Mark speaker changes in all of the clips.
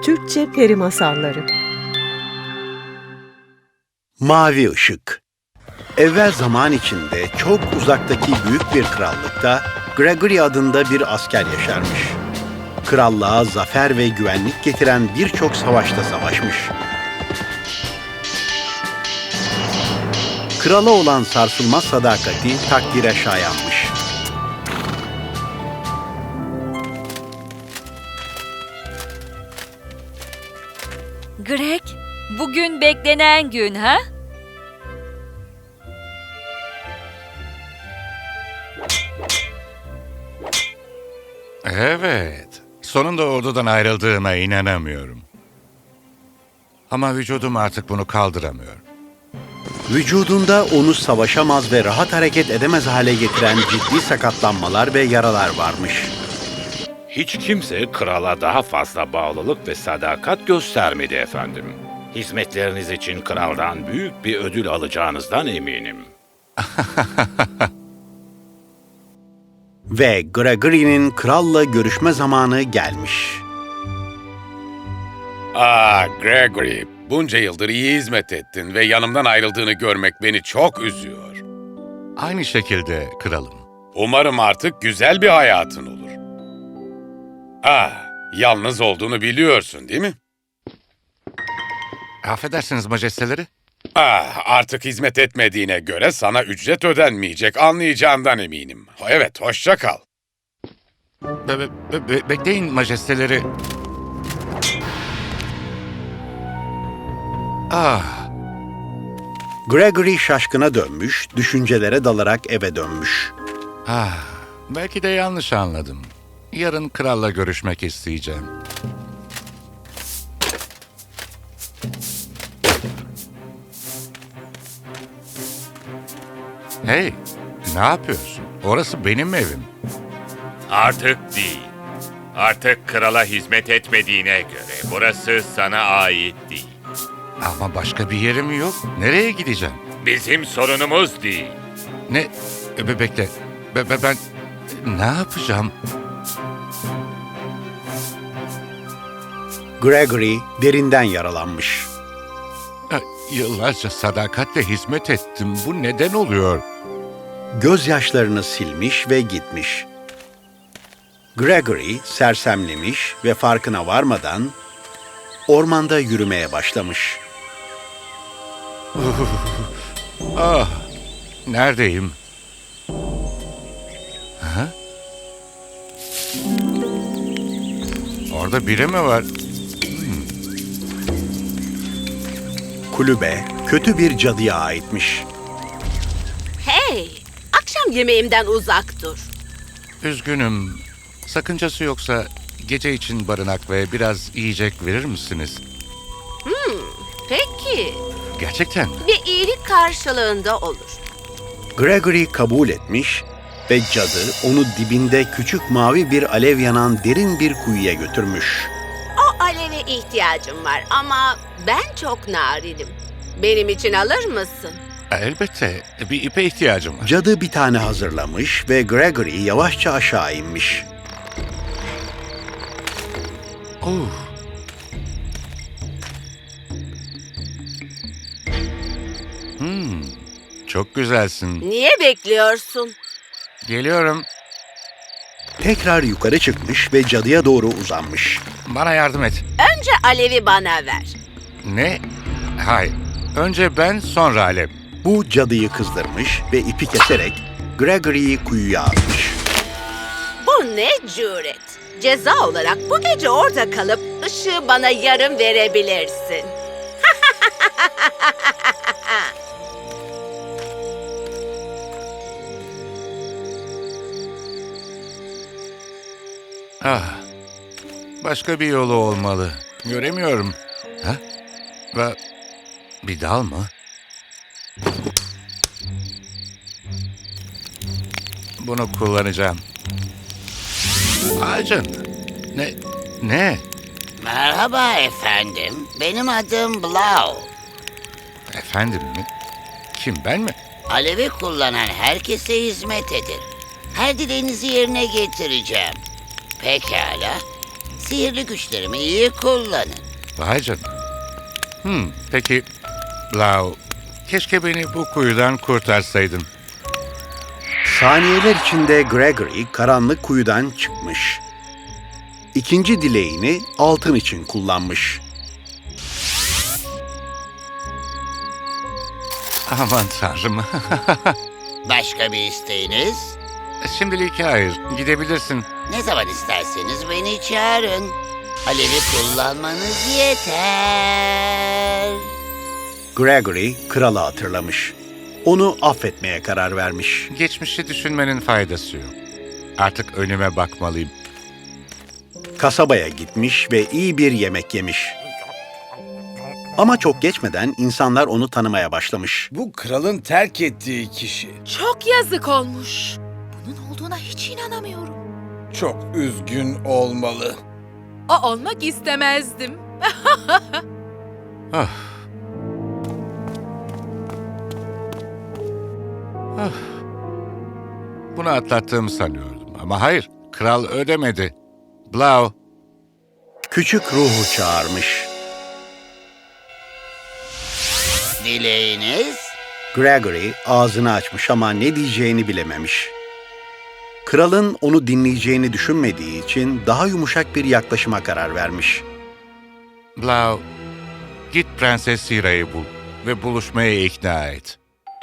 Speaker 1: Türkçe Peri Masalları.
Speaker 2: Mavi Işık. Evvel zaman içinde çok uzaktaki büyük bir krallıkta Gregory adında bir asker yaşarmış. Krallığa zafer ve güvenlik getiren birçok savaşta savaşmış. Krala olan sarsılmaz sadakati takdire şayanmış.
Speaker 3: Greg, bugün beklenen gün ha?
Speaker 4: Evet. Sonunda ordudan ayrıldığıma inanamıyorum. Ama vücudum artık bunu kaldıramıyor.
Speaker 2: Vücudunda onu savaşamaz ve rahat hareket edemez hale getiren ciddi sakatlanmalar ve yaralar varmış.
Speaker 5: Hiç kimse krala daha fazla bağlılık ve sadakat göstermedi efendim. Hizmetleriniz için kraldan büyük bir ödül alacağınızdan eminim.
Speaker 2: Ve Gregory'nin kralla görüşme zamanı gelmiş.
Speaker 6: Gregory, bunca yıldır iyi hizmet ettin ve yanımdan ayrıldığını görmek beni çok üzüyor.
Speaker 4: Aynı şekilde kralım.
Speaker 6: Umarım artık güzel bir hayatın olur. Yalnız olduğunu biliyorsun değil mi?
Speaker 4: Affedersiniz majesteleri.
Speaker 6: Artık hizmet etmediğine göre sana ücret ödenmeyecek, anlayacağından eminim. Evet, hoşça kal.
Speaker 4: Bekleyin majesteleri.
Speaker 2: Gregory şaşkına dönmüş, düşüncelere dalarak eve dönmüş.
Speaker 4: Belki de yanlış anladım. Yarın kralla görüşmek isteyeceğim. Hey, ne yapıyorsun? Orası benim evim.
Speaker 7: Artık değil. Artık krala hizmet etmediğine göre burası sana ait değil.
Speaker 4: Ama başka bir yerim yok. Nereye gideceğim?
Speaker 7: Bizim sorunumuz değil.
Speaker 4: Ne? Bekle. Ben ne yapacağım?
Speaker 2: Gregory derinden yaralanmış.
Speaker 4: Yıllarca sadakatle hizmet ettim. Bu neden oluyor?
Speaker 2: Gözyaşlarını silmiş ve gitmiş. Gregory sersemlemiş ve farkına varmadan ormanda yürümeye başlamış.
Speaker 4: Neredeyim? Orada biri mi var?
Speaker 2: Kulübe kötü bir cadıya aitmiş.
Speaker 8: Hey, akşam yemeğimden uzak dur.
Speaker 4: Üzgünüm. Sakıncası yoksa gece için barınak ve biraz yiyecek verir misiniz?
Speaker 8: Peki,
Speaker 4: Gerçekten mi?
Speaker 8: bir iyilik karşılığında olur.
Speaker 2: Gregory kabul etmiş ve cadı onu dibinde küçük mavi bir alev yanan derin bir kuyuya götürmüş.
Speaker 8: O aleve ihtiyacım var ama ben çok narinim. Benim için alır mısın?
Speaker 4: Elbette. Bir ipe ihtiyacım var.
Speaker 2: Cadı bir tane hazırlamış ve Gregory yavaşça aşağı inmiş.
Speaker 4: Çok güzelsin.
Speaker 8: Niye bekliyorsun?
Speaker 4: Geliyorum.
Speaker 2: Tekrar yukarı çıkmış ve cadıya doğru uzanmış.
Speaker 4: Bana yardım et.
Speaker 8: Önce alevi bana ver.
Speaker 4: Ne? Hayır. Önce ben, sonra Alep.
Speaker 2: Bu cadıyı kızdırmış ve ipi keserek Gregory'yi kuyuya atmış.
Speaker 8: Bu ne cüret? Ceza olarak bu gece orada kalıp ışığı bana yarım verebilirsin.
Speaker 4: Başka bir yolu olmalı. Göremiyorum. Ve bir dal mı? Bunu kullanacağım. Ağacın. Ne?
Speaker 9: Merhaba efendim. Benim adım Blau.
Speaker 4: Efendim mi? Kim, ben mi?
Speaker 9: Alevi kullanan herkese hizmet edin. Her dileğinizi yerine getireceğim. Pekala. Sihirli güçlerimi iyi kullanın.
Speaker 4: Vay canına. Peki Blau, keşke beni bu kuyudan kurtarsaydın.
Speaker 2: Saniyeler içinde Gregory karanlık kuyudan çıkmış. İkinci dileğini altın için kullanmış.
Speaker 4: Aman tanrım.
Speaker 9: Başka bir isteğiniz?
Speaker 4: Şimdilik hayır, gidebilirsin.
Speaker 9: Ne zaman isterseniz beni çağırın. Alevi kullanmanız yeter.
Speaker 2: Gregory kralı hatırlamış. Onu affetmeye karar vermiş.
Speaker 4: Geçmişi düşünmenin faydası yok. Artık önüme bakmalıyım.
Speaker 2: Kasabaya gitmiş ve iyi bir yemek yemiş. Ama çok geçmeden insanlar onu tanımaya başlamış.
Speaker 10: Bu kralın terk ettiği kişi.
Speaker 8: Çok yazık olmuş. Bunun olduğuna hiç inanamıyorum.
Speaker 10: Çok üzgün olmalı.
Speaker 8: O olmak istemezdim.
Speaker 4: Ah. Ah. Bunu atlattığımı sanıyordum ama hayır, kral ödemedi. Blau,
Speaker 2: Küçük ruhu çağırmış.
Speaker 9: Dileğiniz?
Speaker 2: Gregory ağzını açmış ama ne diyeceğini bilememiş. Kralın onu dinleyeceğini düşünmediği için daha yumuşak bir yaklaşıma karar vermiş.
Speaker 4: Blau, git Prenses Sira'yı bul ve buluşmaya ikna et.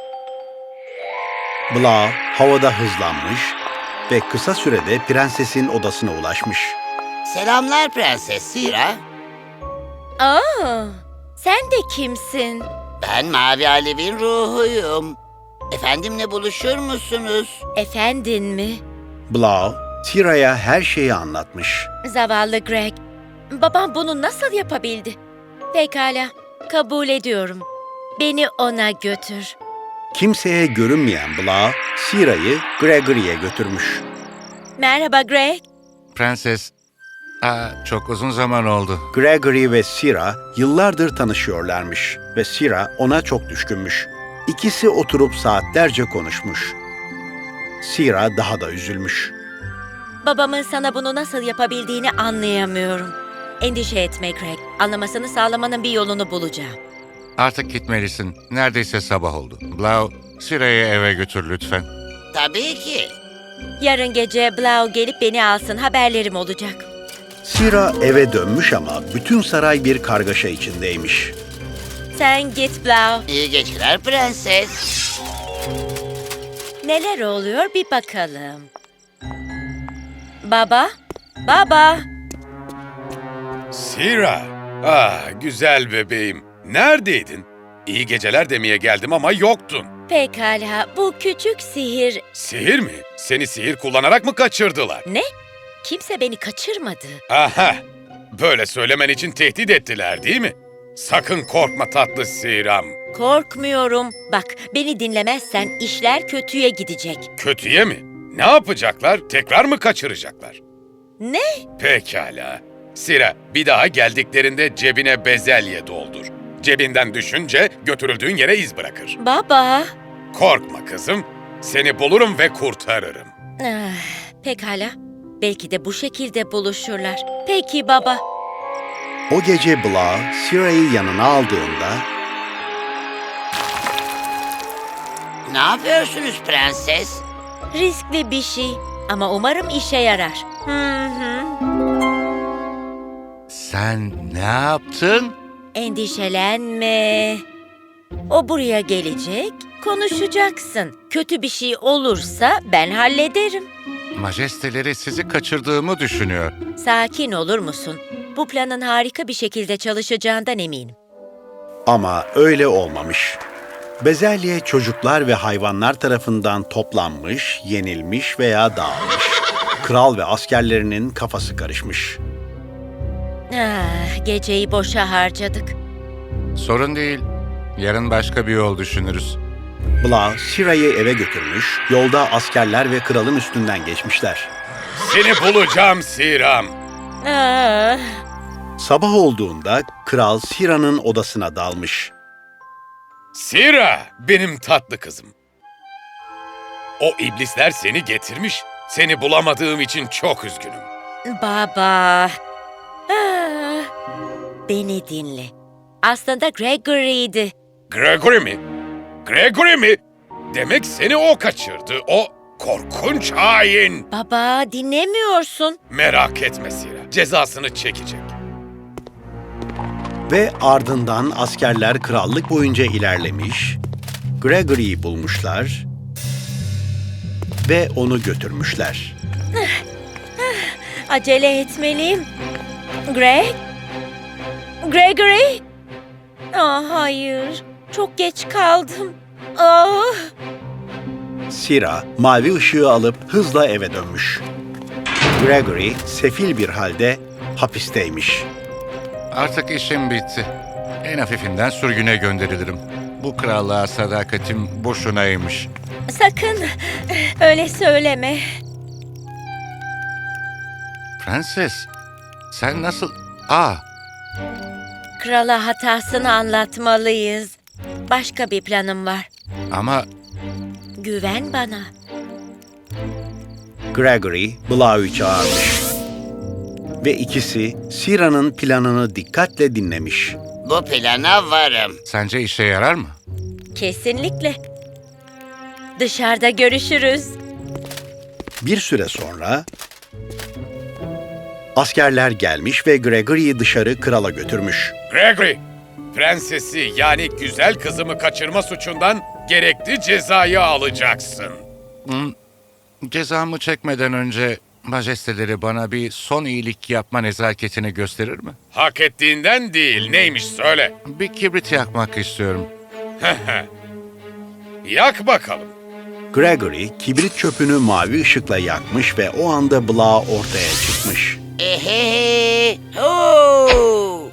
Speaker 2: Blau havada hızlanmış ve kısa sürede prensesin odasına ulaşmış.
Speaker 9: Selamlar Prenses Sira.
Speaker 3: Aa, sen de kimsin?
Speaker 9: Ben Mavi Alev'in ruhuyum. Efendimle buluşur musunuz?
Speaker 3: Efendin mi?
Speaker 2: Blau, Sira'ya her şeyi anlatmış.
Speaker 3: Zavallı Greg. Babam bunu nasıl yapabildi? Pekala, kabul ediyorum. Beni ona götür.
Speaker 2: Kimseye görünmeyen Blau, Sira'yı Gregory'e götürmüş.
Speaker 3: Merhaba Greg.
Speaker 4: Prenses, çok uzun zaman oldu.
Speaker 2: Gregory ve Sira yıllardır tanışıyorlarmış ve Sira ona çok düşkünmüş. İkisi oturup saatlerce konuşmuş. Sira daha da üzülmüş.
Speaker 3: Babamın sana bunu nasıl yapabildiğini anlayamıyorum. Endişe etme Greg. Anlamasını sağlamanın bir yolunu bulacağım.
Speaker 4: Artık gitmelisin. Neredeyse sabah oldu. Blau, Sira'yı eve götür lütfen.
Speaker 9: Tabii ki.
Speaker 3: Yarın gece Blau gelip beni alsın. Haberlerim olacak.
Speaker 2: Sira eve dönmüş ama bütün saray bir kargaşa içindeymiş.
Speaker 3: Sen git Blau.
Speaker 9: İyi geceler prenses.
Speaker 3: Neler oluyor bir bakalım. Baba? Baba?
Speaker 6: Sira. Güzel bebeğim. Neredeydin? İyi geceler demeye geldim ama yoktun.
Speaker 3: Pekala, bu küçük sihir...
Speaker 6: Sihir mi? Seni sihir kullanarak mı kaçırdılar?
Speaker 3: Ne? Kimse beni kaçırmadı.
Speaker 6: Aha! Böyle söylemen için tehdit ettiler değil mi? Sakın korkma tatlı Siram.
Speaker 3: Korkmuyorum. Bak, beni dinlemezsen işler kötüye gidecek.
Speaker 6: Kötüye mi? Ne yapacaklar? Tekrar mı kaçıracaklar?
Speaker 3: Ne?
Speaker 6: Pekala. Sira, bir daha geldiklerinde cebine bezelye doldur. Cebinden düşünce götürüldüğün yere iz bırakır.
Speaker 3: Baba.
Speaker 6: Korkma kızım. Seni bulurum ve kurtarırım.
Speaker 3: Pekala. Belki de bu şekilde buluşurlar. Peki baba.
Speaker 2: O gece Blau, Sira'yı yanına aldığında
Speaker 9: Ne yapıyorsunuz prenses?
Speaker 3: Riskli bir şey ama umarım işe yarar.
Speaker 4: Sen ne yaptın?
Speaker 3: Endişelenme. O buraya gelecek, konuşacaksın. Kötü bir şey olursa ben hallederim.
Speaker 4: Majesteleri sizi kaçırdığımı düşünüyor.
Speaker 3: Sakin olur musun? Bu planın harika bir şekilde çalışacağından eminim.
Speaker 2: ama öyle olmamış. Bezelye çocuklar ve hayvanlar tarafından toplanmış, yenilmiş veya dağılmış. Kral ve askerlerinin kafası karışmış.
Speaker 3: Geceyi boşa harcadık.
Speaker 4: Sorun değil. Yarın başka bir yol düşünürüz.
Speaker 2: Blau, Sira'yı eve götürmüş, yolda askerler ve kralın üstünden geçmişler.
Speaker 6: Seni bulacağım Siram.
Speaker 2: Sabah olduğunda kral Sira'nın odasına dalmış.
Speaker 6: Sira, benim tatlı kızım. O iblisler seni getirmiş. Seni bulamadığım için çok üzgünüm.
Speaker 3: Baba, Ah, beni dinle. Aslında Gregory'ydi.
Speaker 6: Gregory mi? Gregory mi? Demek seni o kaçırdı. O korkunç hain.
Speaker 3: Baba, dinlemiyorsun.
Speaker 6: Merak etme Sira. Cezasını çekecek.
Speaker 2: Ve ardından askerler krallık boyunca ilerlemiş, Gregory'yi bulmuşlar ve onu götürmüşler.
Speaker 3: Acele etmeliyim. Gregory? Ah, hayır. Çok geç kaldım. Ah.
Speaker 2: Sira mavi ışığı alıp hızla eve dönmüş. Gregory sefil bir halde hapisteymiş.
Speaker 4: Artık işim bitti. En hafifinden sürgüne gönderilirim. Bu krallığa sadakatim boşunaymış.
Speaker 3: Sakın öyle söyleme.
Speaker 4: Prenses, sen nasıl...
Speaker 3: Krala hatasını anlatmalıyız. Başka bir planım var.
Speaker 4: Ama
Speaker 3: Güven bana.
Speaker 2: Gregory Blau'yu çağırmış. Ve ikisi Sira'nın planını dikkatle dinlemiş.
Speaker 9: Bu plana varım.
Speaker 4: sence işe yarar mı?
Speaker 3: Kesinlikle. Dışarıda görüşürüz.
Speaker 2: Bir süre sonra askerler gelmiş ve Gregory'yi dışarı krala götürmüş.
Speaker 6: Gregory, prensesi yani güzel kızımı kaçırma suçundan gerekli cezayı alacaksın.
Speaker 4: Cezamı çekmeden önce majesteleri bana bir son iyilik yapma nezaketini gösterir mi?
Speaker 6: Hak ettiğinden değil, neymiş söyle.
Speaker 4: Bir kibrit yakmak istiyorum.
Speaker 6: Yak bakalım.
Speaker 2: Gregory kibrit çöpünü mavi ışıkla yakmış ve o anda Blau ortaya çıkmış.
Speaker 9: Ehehe. Hoo.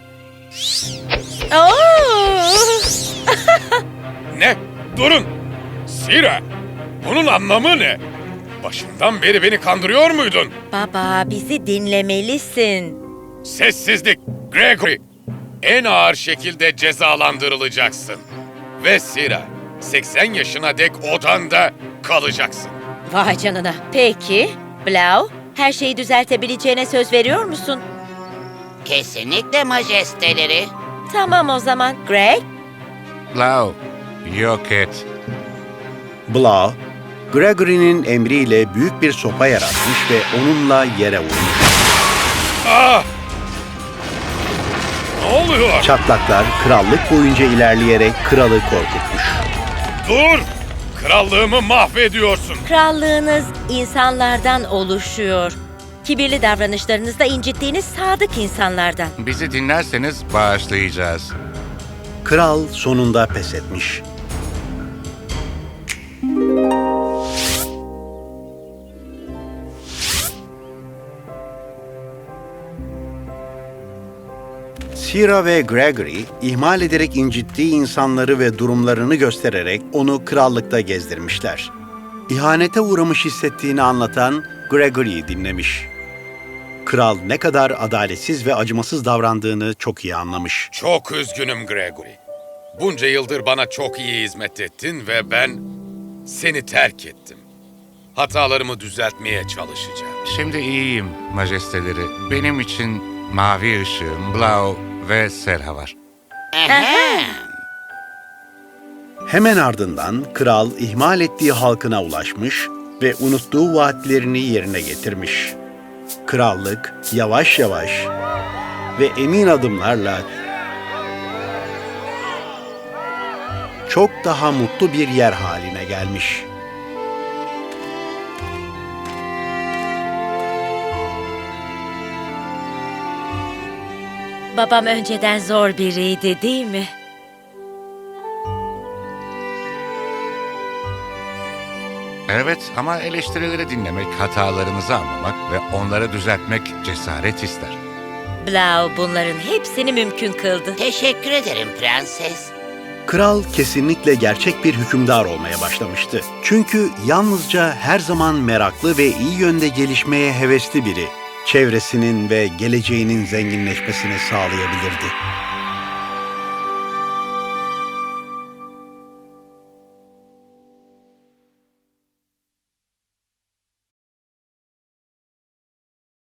Speaker 3: Oo!
Speaker 6: Ne? Durun! Sira, bunun anlamı ne? Başından beri beni kandırıyor muydun?
Speaker 3: Baba, bizi dinlemelisin.
Speaker 6: Sessizlik, Gregory. En ağır şekilde cezalandırılacaksın. Ve Sira, 80 yaşına dek odanda kalacaksın.
Speaker 3: Vay canına. Peki, Blau, her şeyi düzeltebileceğine söz veriyor musun?
Speaker 9: Kesinlikle majesteleri.
Speaker 3: Tamam o zaman. Greg?
Speaker 4: Lau, yok et.
Speaker 2: Blau, Gregory'nin emriyle büyük bir sopa yaratmış ve onunla yere vurmuş.
Speaker 6: Ah! Ne oluyor?
Speaker 2: Çatlaklar krallık boyunca ilerleyerek kralı korkutmuş.
Speaker 6: Dur! Krallığımı mahvediyorsun.
Speaker 3: Krallığınız insanlardan oluşuyor. Kibirli davranışlarınızda incittiğiniz sadık insanlardan.
Speaker 4: Bizi dinlerseniz bağışlayacağız.
Speaker 2: Kral sonunda pes etmiş. Sira ve Gregory, ihmal ederek incittiği insanları ve durumlarını göstererek onu krallıkta gezdirmişler. İhanete uğramış hissettiğini anlatan Gregory'yi dinlemiş. Kral ne kadar adaletsiz ve acımasız davrandığını çok iyi anlamış.
Speaker 6: Çok üzgünüm Gregory. Bunca yıldır bana çok iyi hizmet ettin ve ben seni terk ettim. Hatalarımı düzeltmeye çalışacağım.
Speaker 4: Şimdi iyiyim majesteleri. Benim için mavi ışığım, Blau ve Serha var.
Speaker 9: Aha.
Speaker 2: Hemen ardından kral ihmal ettiği halkına ulaşmış ve unuttuğu vaatlerini yerine getirmiş. Krallık yavaş yavaş ve emin adımlarla çok daha mutlu bir yer haline gelmiş.
Speaker 3: Babam önceden zor biriydi, değil mi?
Speaker 4: Evet ama eleştirileri dinlemek, hatalarınızı anlamak ve onları düzeltmek cesaret ister.
Speaker 3: Blau bunların hepsini mümkün kıldı.
Speaker 9: Teşekkür ederim prenses.
Speaker 2: Kral kesinlikle gerçek bir hükümdar olmaya başlamıştı. Çünkü yalnızca her zaman meraklı ve iyi yönde gelişmeye hevesli biri, çevresinin ve geleceğinin zenginleşmesini sağlayabilirdi.